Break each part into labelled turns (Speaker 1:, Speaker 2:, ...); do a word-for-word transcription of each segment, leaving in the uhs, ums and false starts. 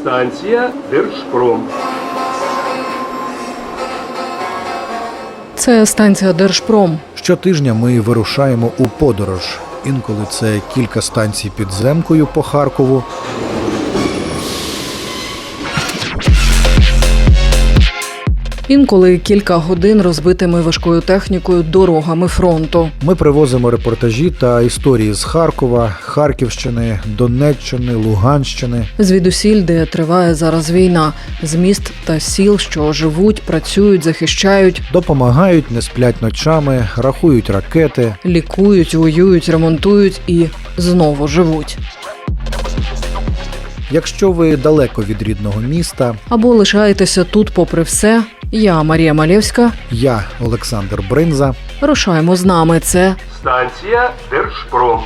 Speaker 1: Станція Держпром.
Speaker 2: Це станція Держпром.
Speaker 3: Щотижня ми вирушаємо у подорож. Інколи це кілька станцій підземкою по Харкову.
Speaker 2: Інколи кілька годин розбитими важкою технікою дорогами фронту.
Speaker 3: Ми привозимо репортажі та історії з Харкова, Харківщини, Донеччини, Луганщини.
Speaker 2: Звідусіль, де триває зараз війна. З міст та сіл, що живуть, працюють, захищають,
Speaker 3: Допомагають, не сплять ночами, рахують ракети.
Speaker 2: лікують, воюють, ремонтують і знову живуть.
Speaker 3: Якщо ви далеко від рідного міста,
Speaker 2: Або лишаєтеся тут попри все. Я, Марія Малєвська.
Speaker 3: я, Олександр Бринза.
Speaker 2: Рушаємо з нами. Це
Speaker 1: Станція Держпром.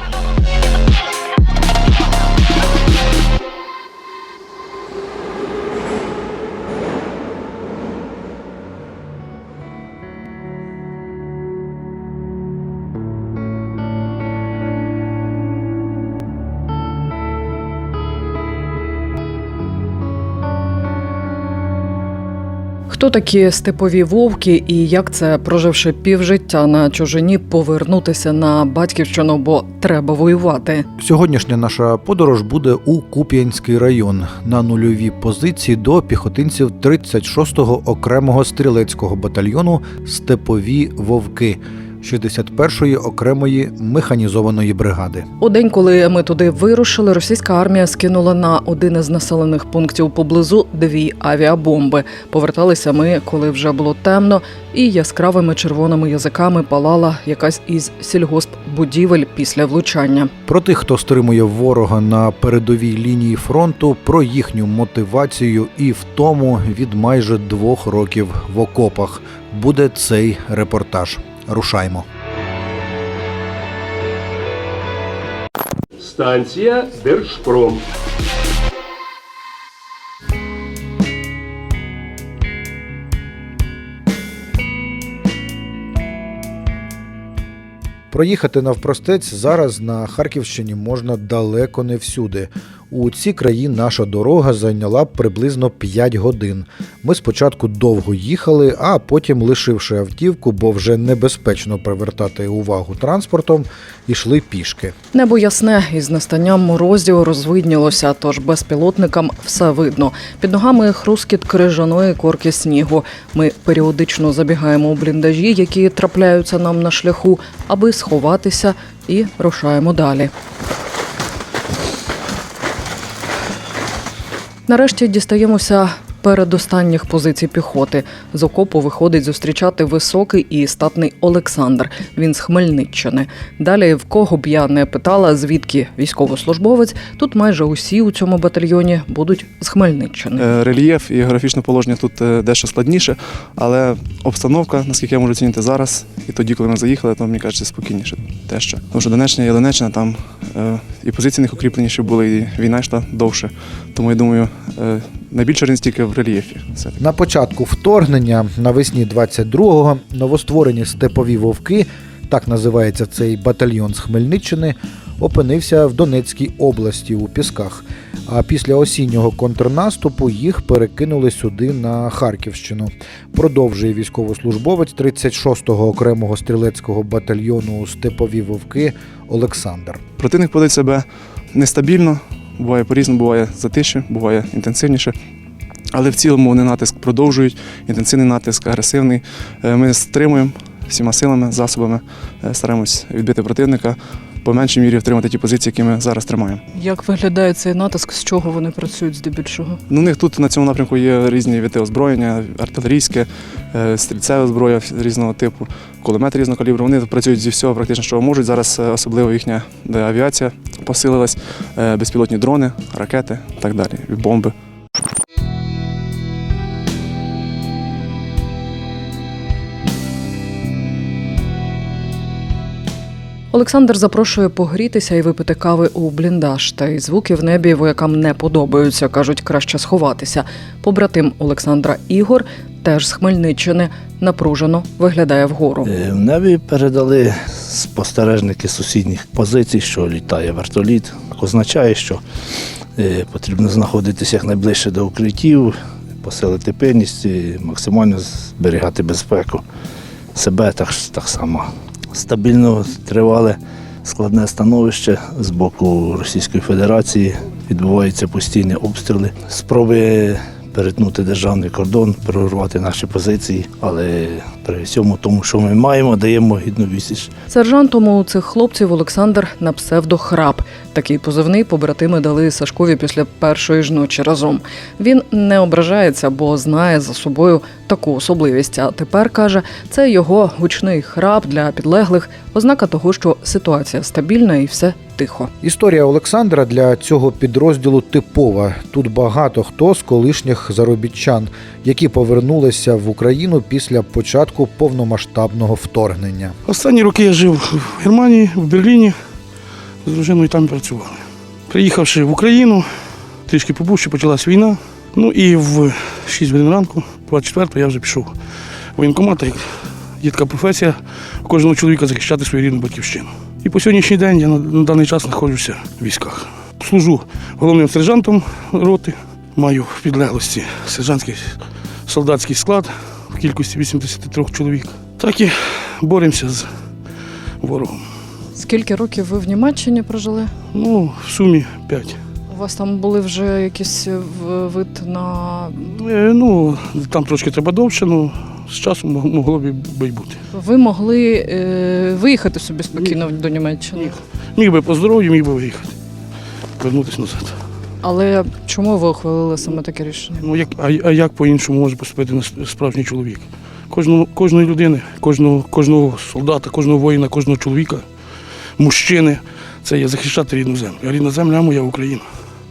Speaker 2: хто такі степові вовки і як це, проживши півжиття на чужині, повернутися на батьківщину, бо треба воювати.
Speaker 3: Сьогоднішня наша подорож буде у Куп'янський район на нульові позиції до піхотинців тридцять шостого окремого стрілецького батальйону «Степові вовки» шістдесят першої окремої механізованої бригади.
Speaker 2: У день, коли ми туди вирушили, російська армія скинула на один із населених пунктів поблизу дві авіабомби. Поверталися ми, коли вже було темно, і яскравими червоними язиками палала якась із сільгоспбудівель після влучання.
Speaker 3: Про тих, хто стримує ворога на передовій лінії фронту, про їхню мотивацію і втому від майже двох років в окопах буде цей репортаж. Рушаймо.
Speaker 1: Станція Держпром.
Speaker 3: Проїхати навпростець зараз на Харківщині можна далеко не всюди. У ці краї наша дорога зайняла б приблизно п'ять годин. Ми спочатку довго їхали, а потім, лишивши автівку, бо вже небезпечно привертати увагу транспортом, йшли пішки.
Speaker 2: Небо ясне, із настанням морозів розвиднілося, тож безпілотникам все видно. Під ногами хрускіт крижаної корки снігу. Ми періодично забігаємо у бліндажі, які трапляються нам на шляху, аби сховатися, і рушаємо далі. Нарешті дістаємося передостанніх позицій піхоти. З окопу виходить зустрічати високий і статний Олександр. Він з Хмельниччини. Далі, в кого б я не питала, звідки військовослужбовець, тут майже усі у цьому батальйоні будуть з Хмельниччини.
Speaker 4: Рельєф і географічне положення тут дещо складніше, але обстановка, наскільки я можу оцінити зараз, і тоді, коли ми заїхали, то, мені кажеться, спокійніше дещо. Тому що Донеччина є Донеччина, там і позиції них укріпленіші були, і війна йшла довше. Тому, я думаю, найбільша різниця тільки в рельєфі.
Speaker 3: На початку вторгнення, навесні двадцять другого, новостворені «Степові вовки», так називається цей батальйон з Хмельниччини, опинився в Донецькій області у Пісках. А після осіннього контрнаступу їх перекинули сюди, на Харківщину. Продовжує військовослужбовець тридцять шостого окремого стрілецького батальйону «Степові вовки» Олександр.
Speaker 4: Противник поводить себе нестабільно, буває по-різному, буває затиші, буває інтенсивніше. Але в цілому вони натиск продовжують, інтенсивний натиск, агресивний. Ми стримуємо всіма силами, засобами, стараємось відбити противника, по меншій мірі втримати ті позиції, які ми зараз тримаємо.
Speaker 2: Як виглядає цей натиск, з чого вони працюють здебільшого?
Speaker 4: Ну, у них тут на цьому напрямку є різні види озброєння, артилерійське, стрільцеве зброя різного типу, кулемети різного калібру. Вони працюють зі всього практично, що можуть. Зараз особливо їхня авіація посилилась, безпілотні дрони, ракети і так далі, бомби.
Speaker 2: Олександр запрошує погрітися і випити кави у бліндаж. Та й звуки в небі воякам не подобаються, кажуть, краще сховатися. Побратим Олександра Ігор, теж з Хмельниччини, напружено виглядає вгору.
Speaker 5: В небі передали спостережники сусідніх позицій, що літає вертоліт. Означає, що Е, Потрібно знаходитися якнайближче до укриттів, посилити пильність, і максимально зберігати безпеку себе так, так само. Стабільно тривале складне становище з боку Російської Федерації. Відбуваються постійні обстріли, спроби перетнути державний кордон, прорвати наші позиції, але при всьому тому, що ми маємо, даємо гідну відсіч.
Speaker 2: Сержантом у цих хлопців Олександр на псевдо Храп. Такий позивний побратими дали Сашкові після першої ж ночі разом. Він не ображається, бо знає за собою таку особливість. А тепер, каже, це його гучний храп для підлеглих, ознака того, що ситуація стабільна і все тихо.
Speaker 3: Історія Олександра для цього підрозділу типова. Тут багато хто з колишніх заробітчан, які повернулися в Україну після початку повномасштабного вторгнення.
Speaker 6: Останні роки я жив в Германії, в Берліні, з дружиною там працювали. Приїхавши в Україну, трішки побувши, почалась війна. Ну і в шість годин ранку, двадцять четвертого, я вже пішов в воєнкомат. Є така професія у кожного чоловіка захищати свою рідну батьківщину. І по сьогоднішній день я на, на даний час знаходжуся в військах. Служу головним сержантом роти, маю в підлеглості сержантський солдатський склад в кількості вісімдесят три чоловік. Так і боремося з ворогом.
Speaker 2: Скільки років ви в Німеччині прожили?
Speaker 6: Ну, в сумі п'ять.
Speaker 2: У вас там були вже якісь вид на...
Speaker 6: Е, ну, там трошки треба довше, але з часом могло б і бути.
Speaker 2: Ви могли е, виїхати собі спокійно до Німеччини?
Speaker 6: Міг. Міг би по здоров'ю, міг би виїхати, повернутися назад.
Speaker 2: Але чому ви ухвалили саме таке рішення?
Speaker 6: Ну, як, а, а як по-іншому може поступити справжній чоловік? Кожного, кожної людини, кожного, кожного солдата, кожного воїна, кожного чоловіка, мужчини – це є захищати рідну землю. А рідна земля моя Україна.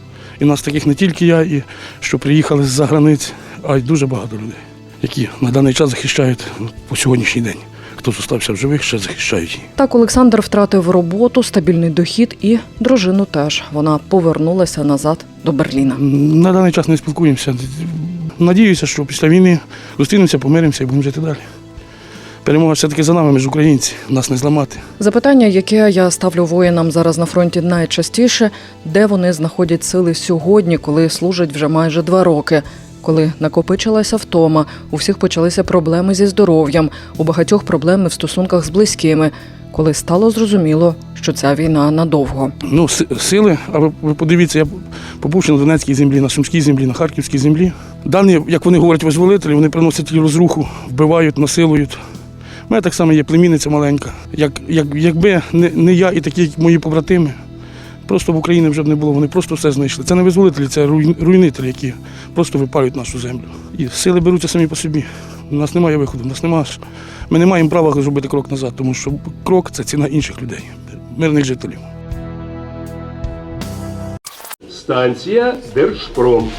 Speaker 6: І нас таких не тільки я, і що приїхали з-за границь, а й дуже багато людей, які на даний час захищають по сьогоднішній день. Хто зостався в живих, ще захищають її.
Speaker 2: Так Олександр втратив роботу, стабільний дохід і дружину теж. Вона повернулася назад до Берліна.
Speaker 6: На даний час не спілкуємося. Надіюся, що після війни зустрінемося, помиримося і будемо жити далі. Перемога все-таки за нами, ми ж українці, нас не зламати.
Speaker 2: Запитання, яке я ставлю воїнам зараз на фронті найчастіше, де вони знаходять сили сьогодні, коли служать вже майже два роки. Коли накопичилася втома, у всіх почалися проблеми зі здоров'ям, у багатьох проблеми в стосунках з близькими, коли стало зрозуміло, що ця війна надовго.
Speaker 6: Ну, сили, а ви, ви подивіться, я побувши на Донецькій землі, на Сумській землі, на Харківській землі. Дані, як вони говорять, визволителі, вони приносять розруху, вбивають, насилують. У мене так само є племінниця маленька. Як, як, якби не, не я і такі мої побратими, просто в Україні вже б не було, вони просто все знайшли. Це не визволителі, це руйнителі, які просто випалюють нашу землю. І сили беруться самі по собі. У нас немає виходу, у нас немає. Ми не маємо права зробити крок назад, тому що крок – це ціна інших людей, мирних жителів.
Speaker 1: Станція Держпром.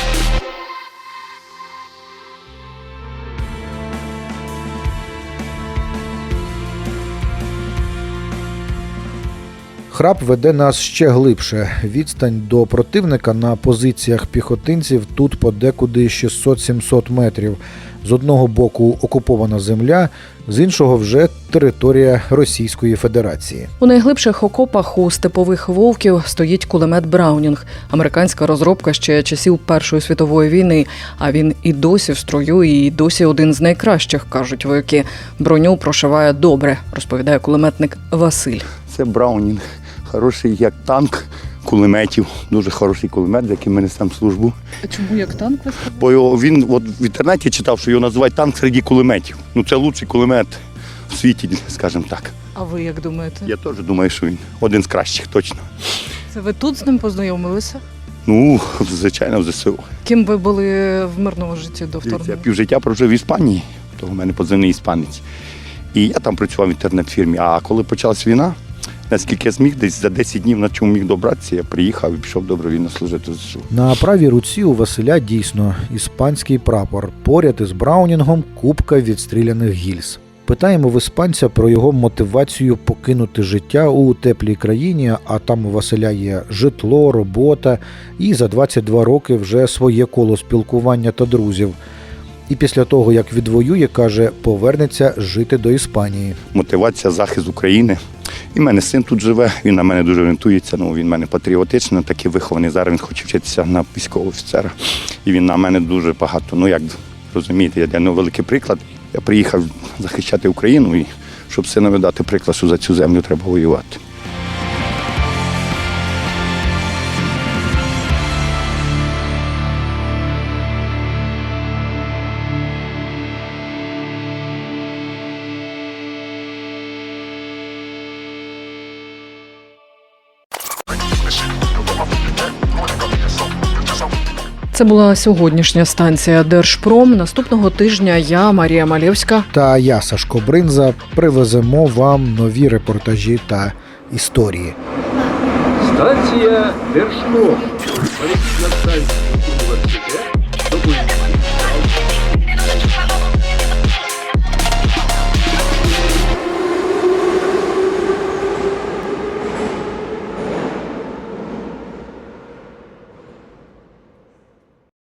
Speaker 3: Храп веде нас ще глибше. Відстань до противника на позиціях піхотинців тут подекуди шістсот-сімсот метрів. З одного боку окупована земля, з іншого вже територія Російської Федерації.
Speaker 2: У найглибших окопах у степових вовків стоїть кулемет Браунінг. Американська розробка ще часів Першої світової війни. А він і досі в строю, і досі один з найкращих, кажуть вояки. Броню прошиває добре, розповідає кулеметник Василь.
Speaker 7: Це Браунінг. Хороший як танк кулеметів. Дуже хороший кулемет, з яким ми несемо службу.
Speaker 2: А чому як танк?
Speaker 7: Бо його, він от в інтернеті читав, що його називають танк серед кулеметів. Ну це лучший кулемет в світі, скажімо так.
Speaker 2: А ви як думаєте?
Speaker 7: Я теж думаю, що він один з кращих, точно.
Speaker 2: Це ви тут з ним познайомилися?
Speaker 7: Ну, звичайно, в зе се у.
Speaker 2: Ким ви були в мирному житті до
Speaker 7: Я
Speaker 2: вторгнення?
Speaker 7: півжиття прожив в Іспанії, то в мене позивний іспанець. І я там працював в інтернет-фірмі. А коли почалась війна, наскільки я зміг, десь за десять днів, на чому міг добратися, я приїхав і пішов добровільно служити в зе се у.
Speaker 3: На правій руці у Василя дійсно іспанський прапор. Поряд із Браунінгом купка відстріляних гільз. Питаємо в іспанця про його мотивацію покинути життя у теплій країні, а там у Василя є житло, робота і за двадцять два роки вже своє коло спілкування та друзів. І після того, як відвоює, каже, повернеться жити до Іспанії.
Speaker 7: Мотивація, захист України. І в мене син тут живе, він на мене дуже орієнтується, ну, він в мене патріотичний, такий вихований. Зараз він хоче вчитися на військового офіцера. І він на мене дуже багато, ну як розумієте, я для нього великий приклад. Я приїхав захищати Україну, і щоб синові дати приклад, що за цю землю треба воювати.
Speaker 2: Це була сьогоднішня станція Держпром. Наступного тижня я, Марія Малєвська.
Speaker 3: Та я, Сашко Бринза, привеземо вам нові репортажі та історії.
Speaker 1: Станція Держпром. Політична станція університет.